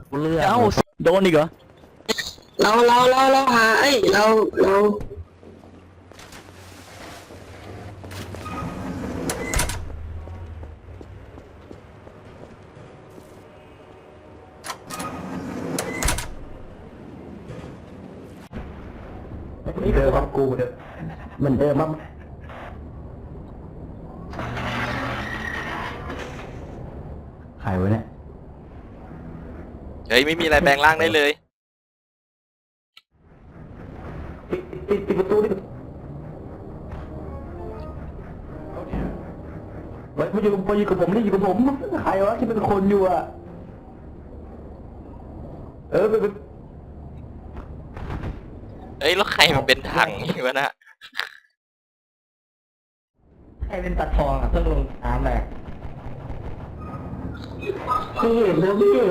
เรื่องเอ้าโดนอีกเหรอเราหาเราเดิมครับกูเดิมเหมือนเดิมมั้งใครวะเนี่ยเฮ้ยไม่มีอะไรแปลงร่างได้เลยปิดประตูดิเฮ้ยมาอยู่กับผมนี่อยู่กับผมใครวะที่เป็นคนอยู่อ่ะไปเฮ้ยแล้วใครมันเป็นถังนี่วะนะใครเป็นตัดทองอ่ะต้องลงน้ำเลยไม่เห็นนะไม่เห็น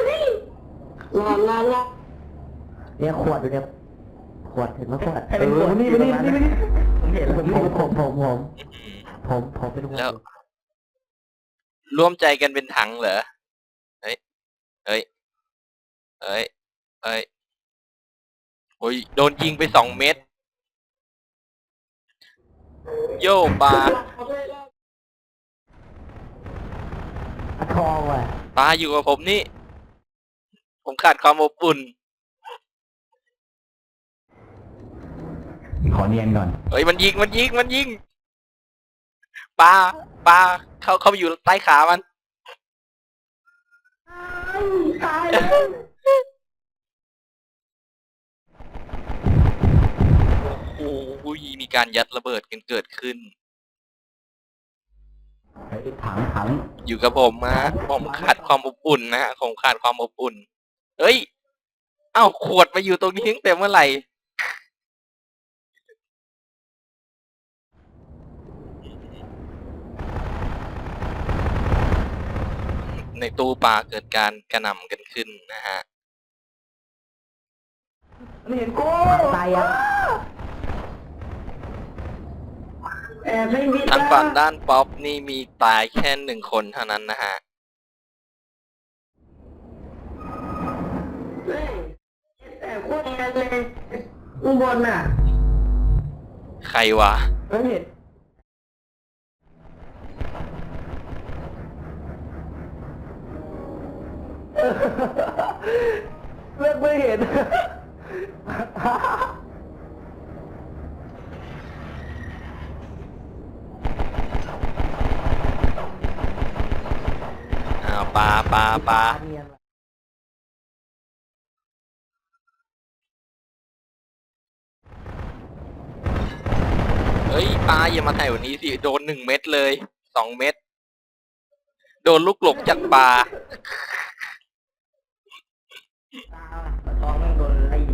รอเนี่ยขวดอยู่เนี่ยขวดเห็นไหมขวดนี่ผมเห็นผมเป็นคนแล้วร่วมใจกันเป็นถังเหรอเฮ้ยเฮ้ยเฮ้ยเฮ้ยโอ้ยโดนยิงไป2 เม็ดโย่ปลาทองว่ะปลาอยู่กับผมนี่ผมขาดความอบอุ่นขอเนียนก่อนเฮ้ยมันยิงปลาเข้าไปอยู่ใต้ขามันตายโอ้โหมีการยัดระเบิดกันเกิดขึ้นถังอยู่กับผมนะผมขาดความอบอุ่นนะฮะผมขาดความอบอุ่นเฮ้ยเอ้าขวดมาอยู่ตรงนี้ตั้งแต่เมื่อไหร่ในตู้ปลาเกิดการกระหน่ำกันขึ้นนะฮะไม่เห็นกูตายอ่ะแอบไม่มิดทางฝั่งด้านป๊อปนี่มีตายแค่1 คนเท่านั้นนะฮะแต่โคตรแอบเลยข้างบนน่ะใครวะไม่เห็นไม่เห็นอ้าวปลาเฮ้ยปลาอย่ามาแถวนี้สิโดน1 เม็ดเลย2 เม็ดโดนลูกหลงจากปลาทองโดนไล่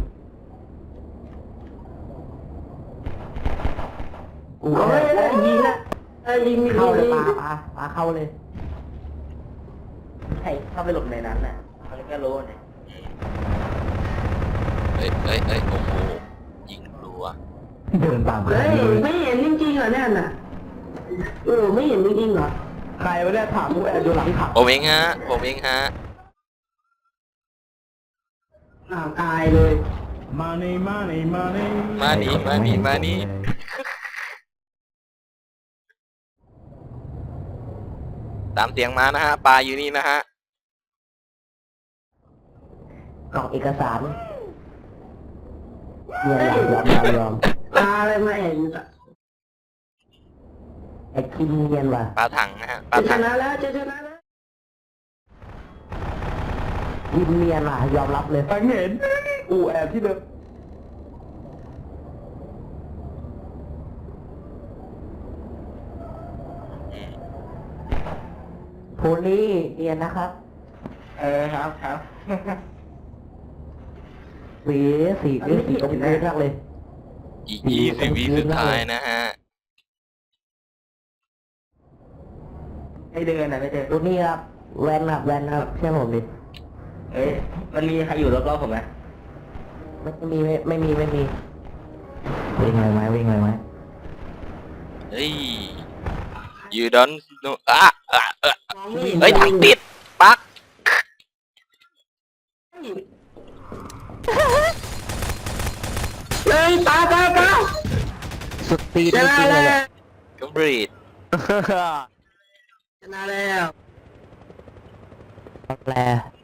กูยิงนะยิงมีเข้าเลยปลาเข้าเลยใช่เข้าไปหลบในนั้นน่ะเขาก็รู้เนี่ยเฮ้ยโอ้โหยิงรัวเดินตามเฮ้ยไม่เห็นจริงๆเหรอเนี่ยน่ะไม่เห็นจริงๆเหรอใครวะเนี่ยถามกูแอบดูหลังถังผมเองฮะตายเลยมานี่ตามเสียงมานะฮะปลาอยู่นี่นะฮะกล่องเอกสารเงียยอมตาอะไรมาเห็นไอ้คิมเงียนว่ะปลาถังนะฮะปลาจะชถังนะแล้วจะชนะแล้วคิมเนียนว่ะยอมรับเลยฟังเห็นกูแอบที่เดิมโพลี่เนียนนะครับ ครับ สีตรงนี้มากเลยอีก20 วิสุดท้ายนะฮะไม่เดินนะไม่เดินตรงนี้ครับแวนครับเชื่อผมดิมันมีใครอยู่รอบๆผมไหมไม่มีวิ่งเลยไหมเฮ้ย you don't know เฮ้ยถังติดปักเฮ้ยตาสุดตีนชจนะริงๆเลแล้ยว เนี่ยก็บรีดชนะแล้วแปล